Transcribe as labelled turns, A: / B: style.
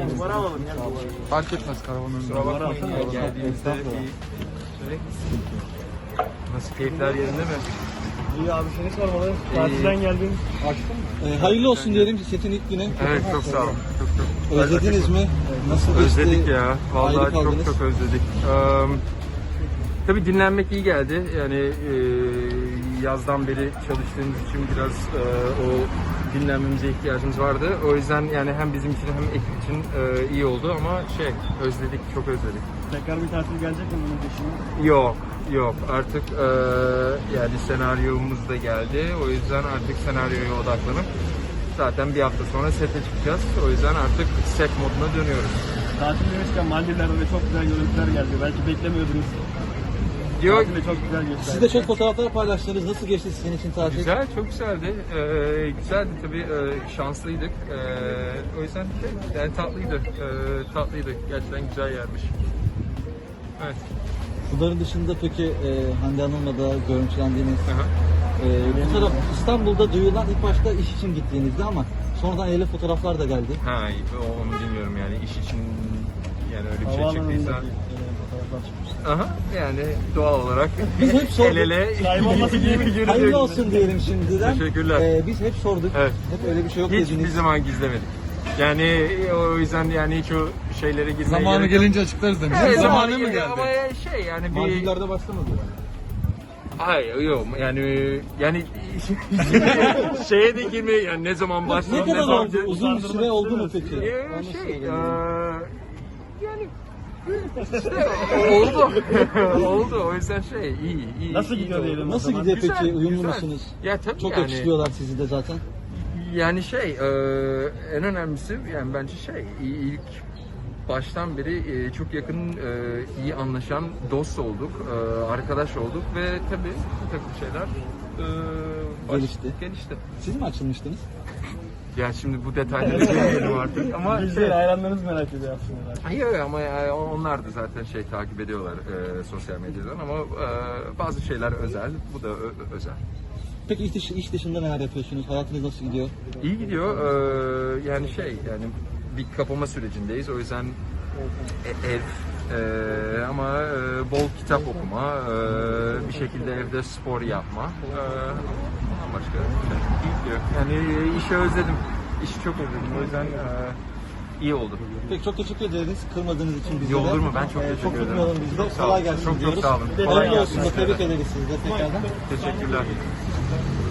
A: Numara alalım ya.
B: Fark etmez karavanın.
A: Kusura bakmayın ya, geldiğimizde nasıl, keyifler yerinde mi? İyi abi, seni sormalı. Tatilden geldin. Açtın mı?
C: Hayırlı olsun diyelim setin ilk günü.
A: Evet, çok sağ olun. Çok.
C: Özlediniz mi? Nasıl geçti?
A: Özledik ya. Vallahi
C: Ayrı kaldınız.
A: çok özledik. Tabii dinlenmek iyi geldi. Yani yazdan beri çalıştığımız için biraz o dinlenmemize ihtiyacımız vardı. O yüzden yani hem bizim için hem ekip için iyi oldu ama özledik, çok özledik.
D: Tekrar bir tatil gelecek mi bunun peşine?
A: Yok artık yani senaryomuz da geldi. O yüzden artık senaryoya odaklanıp zaten bir hafta sonra sete çıkacağız. O yüzden artık set moduna dönüyoruz.
D: Tatil demişken Maldivler'de de çok güzel görüntüler geldi. Belki beklemiyordunuz. Tatil de çok güzel geçti.
C: Siz de çok fotoğraflar paylaştınız. Nasıl geçti sizin için tatil?
A: Güzel, çok güzeldi. Güzeldi tabii, şanslıydık. O yüzden yani tatlıydı. Gerçekten güzel yermiş. Evet.
C: Bunların dışında peki Hande Hanım'la da görüntülendiğiniz,
A: Aha.
C: bu taraf İstanbul'da duyulan ilk başta iş için gittiğinizde ama sonradan öyle fotoğraflar da geldi.
A: Ha, onu bilmiyorum yani, iş için yani öyle bir şey
D: Havaalanındaki
A: çıktıysa.
D: fotoğraflar çıkmış.
A: Aha, yani doğal olarak
C: Biz hep sorduk.
A: el ele
D: Kaybolması değil mi?
A: yürüdük.
C: Hayırlı olsun diyelim şimdiden.
A: Teşekkürler.
C: Biz hep sorduk.
A: Evet.
C: Hep öyle bir şey yok
A: Hiçbir
C: dediniz.
A: zaman gizlemedik. Yani o yüzden yani hiç o şeylere girmeye
B: Zamanı
A: gerek yok.
B: gelince açıklarız demiş.
A: Evet,
B: Zamanı mı
A: geliyor
B: geldi?
A: ama yani bir...
C: Maldivler'de başlamadı.
A: Hayır, yok yani şeye de girmeye, yani ne zaman
C: Ne
A: başlayalım,
C: kadar
A: zaman...
C: oldu? Uzun bir süre oldu mu peki?
A: Yani işte oldu. O yüzden iyi.
D: Nasıl
A: iyi
D: gidiyor
A: oldu.
D: diyelim?
C: Nasıl gidiyor
A: Güzel,
C: peki? Uyumlu
A: güzel.
C: musunuz?
A: Ya tabii
C: Çok
A: yani.
C: yakıştırıyorlar sizi de zaten.
A: Yani en önemlisi yani bence ilk baştan beri çok yakın, iyi anlaşan dost olduk, arkadaş olduk ve tabii bir takım şeyler gelişti.
C: Siz mi açılmıştınız?
A: Ya şimdi bu detaylara girmeyelim artık ama
D: Bizleri hayranlarınız merak ediyor aslında.
A: Yok ama onlar da zaten takip ediyorlar sosyal medyadan ama bazı şeyler özel, bu da özel.
C: Peki iş dışında neler yapıyorsunuz? Hayatınız nasıl gidiyor?
A: İyi gidiyor. Yani bir kapama sürecindeyiz. O yüzden ev ama bol kitap okuma, bir şekilde evde spor yapma. Başka iyi gidiyor. Yani işi özledim. İşi çok özledim. O yüzden iyi oldu.
C: Peki çok teşekkür ederiz kırmadığınız için bize de.
A: Olur mu? Ben çok teşekkür
C: Çok
A: ederim.
C: tutmayalım biz de.
A: Çok sağ olun.
C: Kolay gelsin
A: Çok
C: diyoruz.
A: sağ olun. Kolay
C: Hayırlı
A: gelsin.
C: olsun. Tebrik ederiz sizi de tekrardan.
A: Teşekkürler.